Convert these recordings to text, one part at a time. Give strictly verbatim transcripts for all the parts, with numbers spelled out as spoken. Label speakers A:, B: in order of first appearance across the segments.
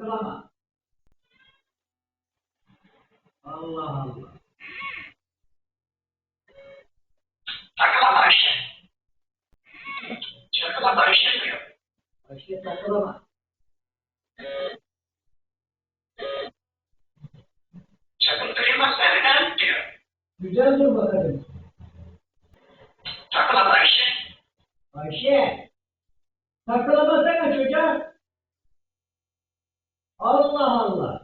A: takılama. Allah Allah.
B: Takılama Ayşe. Takılama Ayşe diyor.
A: Ayşe takılama.
B: Sakın kırılma senden diyor.
A: Güzel dur bakalım.
B: Takılama Ayşe.
A: Ayşe. Takılamasana çocuğa. Allah Allah.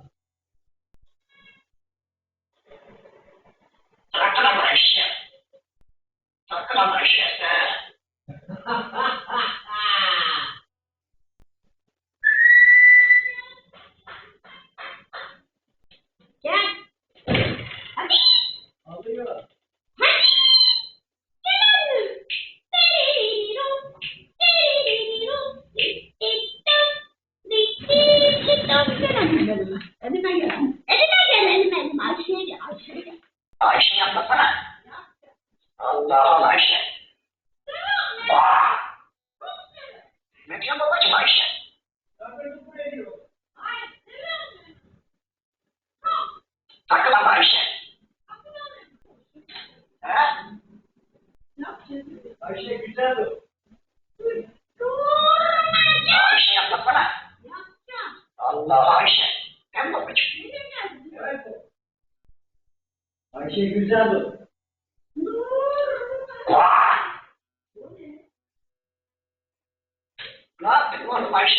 B: Takılama Ayşe. Takılama Ayşe sen.
C: Gel. Hadi.
A: Alıyor.
C: Hadi. Gel. Elime gel. Elime gel, elime, elime. Ayşe'ye gel, Ayşe'ye gel.
B: Ayşe yapmasana. Allah Allah Ayşe. Vaa. Ne diyor babacığım Ayşe?
A: Takılı buraya diyor.
B: Takılama Ayşe. He?
A: Ayşe güzel dur.
B: Ayşe yapmasana. Allah Ayşe. Hem babacığım.
A: Evet. Ayşe güzel dur.
B: Vaa. Ne yaptın oğlum Ayşe?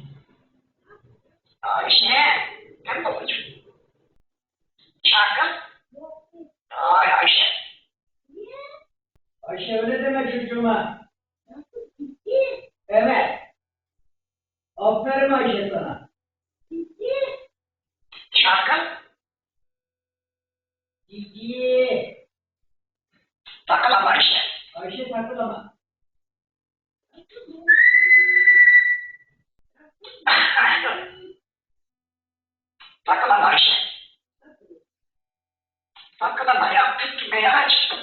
B: Ayşe. Hem babacığım. Şarkı. Ay Ayşe.
A: Ayşe öyle deme çocuğuma. Evet. Aferin Ayşe sana.
B: Şarkı.
A: Ciddi.
B: Takılama Ayşe.
A: Ayşe takılama.
B: Takılama Ayşe. Takılama ya. Gitme ya aşkım.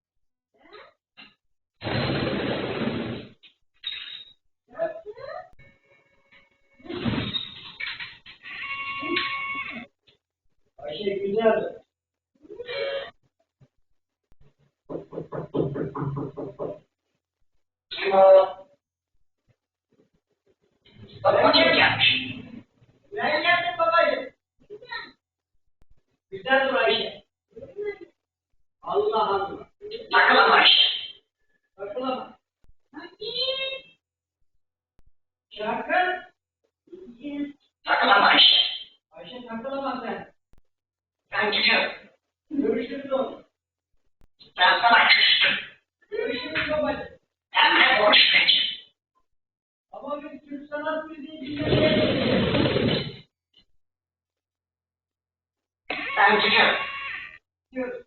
A: Ayşe güzel dur.
B: Kim o? Babacığım gelmiş.
A: Ben geldim babacığım. Güzel dur Ayşe. Allah Allah.
B: Takılama Ayşe.
A: Takılama. Şarkı.
B: Takılama Ayşe.
A: Ayşe takılama sen.
B: Ben gidiyorum.
A: Görüşürüz oğlum.
B: Ben sana küstüm.
A: Görüşürüz babacığım.
B: Hem de konuşmayacağım.
A: Ama biz Türk sanat müziği dinlemeyiz.
B: Ben gidiyorum.
A: Diyoruz.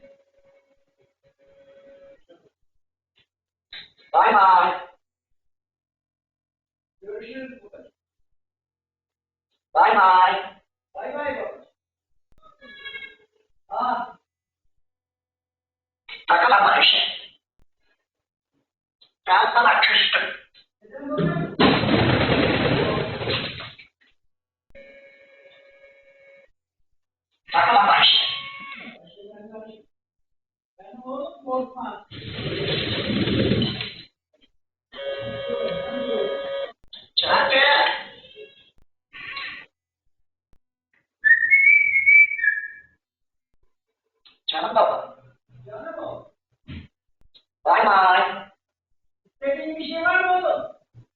B: Bay bay.
A: Görüşürüz babacığım.
B: Bay bay.
A: Bay bay babacığım. Aa,
B: Takılama Ayşe. Ben sana küstüm.
A: neden babacığım?
B: Takılama Ayşe.
A: Ayşe ben karışım. Ben oğlum korkma.
B: Hadi. Canım baba.
A: Canım oğlum.
B: Bay bay.
A: İstediğin bir şey var mı oğlum?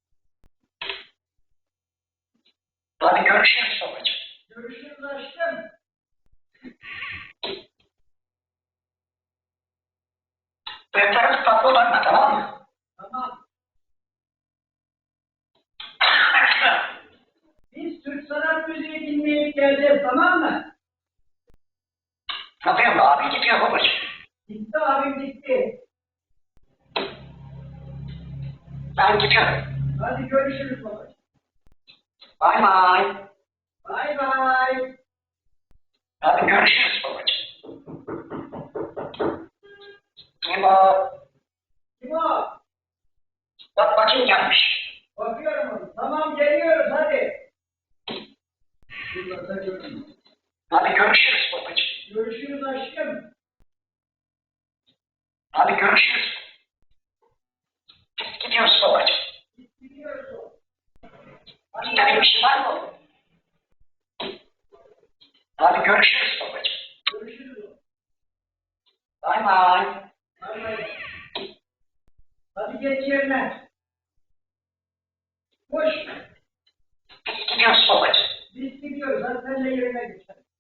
B: Hadi görüşürüz babacığım.
A: Görüşürüz aşkım.
B: Defterimiz tatlı olanla tamam mı?
A: Tamam. Biz Türk sanat müziği dinleyip geleceğiz, tamam mı?
B: Yapıyorum abi gidiyor babacığım.
A: Gitti abim gitti.
B: Ben gidiyorum.
A: Hadi görüşürüz babacığım.
B: Bay bay.
A: Bay bay.
B: Hadi görüşürüz babacığım. Kim o?
A: Kim o?
B: Bak bakayım gelmiş.
A: Bakıyorum onu. Tamam geliyoruz hadi. Yıllarda görürüm.
B: Hadi görüşürüz babacığım.
A: Görüşürüz aşkım.
B: Hadi görüşürüz. Biz gidiyoruz babacığım.
A: Gidiyoruz.
B: İstediğin bir şey var mı? Hadi görüşürüz babacığım.
A: Görüşürüz.
B: Bay bay.
A: Bay bay. Hadi geç yerine. Koş.
B: Biz gidiyoruz babacığım.
A: Biz gidiyoruz. Hadi sen de yerine geç.